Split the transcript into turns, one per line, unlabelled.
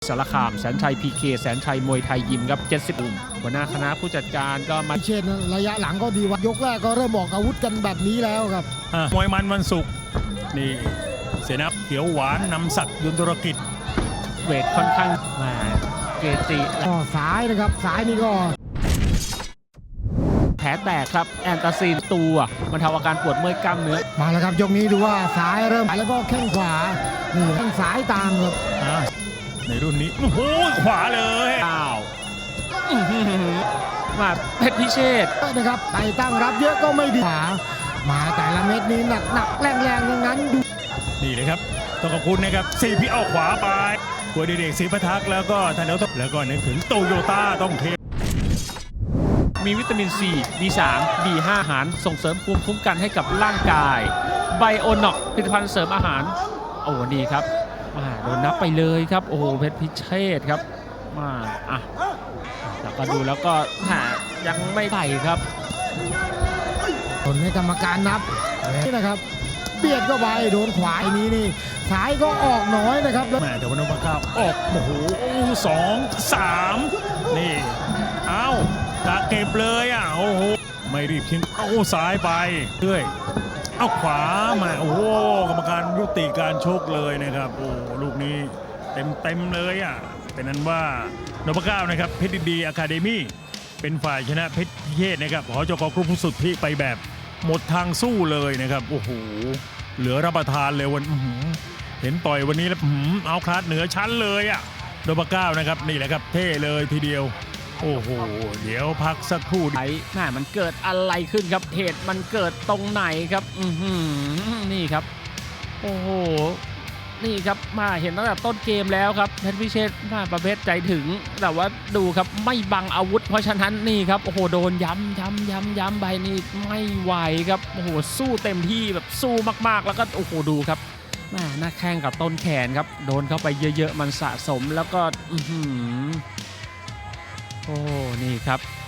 สารคามแสนชัยพีเคแสนชัยมวยไทยยิมครับ70หัวหน้าคณะผู้จัดการก็มา
เชนระยะหลังก็ดีว่ายกแรกก็เริ่มออกอาวุธกันแบบนี้แล้วครับ
มวยมันวันศุกร์นี่เสนาเขียวหวานนำศักดิ์ยุนธุรกิจ
เวทค่อนข้างมาเกจิ
ก็ซ้ายนะครับซ้ายนี่ก็
แผลแตกครับแอนตาซีนตัวมันทำอาการปวดเมื่อยกล้ามเนื้อ
มาแล้วครับยกนี้ดูว่าซ้ายเริ่มแล้วก็แข้งขวานี่แข้งซ้ายตามครับ
ในรุ่นนี้โอ้โหขวาเลย
อ้าวมาเพชรพิเชษ
นะครับไปตั้งรับเยอะก็ไม่ดีขวามาแต่ละเม็ดนี้หนักแรงอย่างนั้นดู
นี่เลยครับต้องขอบคุณนะครับสี่พี่เอาขวาไปกัวเด็กศรีพัทักแล้วก็ทันเดลแล้วก็นึกถึงโตโยต้าต้องเท
มีวิตามินซี B3 B5 อาหารส่งเสริมภูมิคุ้มกันให้กับร่างกายไบโอน็อกผลิตภัณฑ์เสริมอาหารโอ้นี่ครับโดนนับไปเลยครับโอ้เพชรพิเชษครับแล้วก็ดูแล้วก็ยังไม่ไต่ครับ
ผลให้กรรมการนับนี่นะครับเบียดก็ไปโดนขวานี้นี่ซ้ายก็ออกน้อยนะครับ
แม่แต่วันนพก้าวออกโอ้โห2 3นี่เอาตะเก็บเลยโอ้โหไม่รีบทิ้งเอาซ้ายไปเรื่อยเอาขวามาโอ้โหกรรมการยุติการชกเลยนะครับโอ้ลูกนี้เต็มเลยเป็นนั้นว่านพก้าวนะครับเพชรดีอะคาเดมี่เป็นฝ่ายชนะเพชรพิเชษนะครับหจก.กรุ๊ปสุทธิไปแบบหมดทางสู้เลยนะครับโอ้โหเหลือรับประทานเลยวันเห็นต่อยวันนี้แล้วเอาคลาสเหนือชั้นเลยนพก้าวนะครับนี่แหละครับเท่เลยทีเดียวโอ้โหเดี๋ยวพักสักครู่
มันเกิดอะไรขึ้นครับเหตุมันเกิดตรงไหนครับนี่ครับโอ้โหนี่ครับมาเห็นตั้งแต่ต้นเกมแล้วครับเพชรพิเชษมาประเภทใจถึงแต่ว่าดูครับไม่บังอาวุธเพราะฉะนั้นนี่ครับโอ้โหโดนย้ำไปนี่ไม่ไหวครับโอ้โหสู้เต็มที่แบบสู้มากๆแล้วก็โอ้โหดูครับหน้าแข้งกับต้นแขนครับโดนเข้าไปเยอะๆมันสะสมแล้วก็โอ้นี่ครับ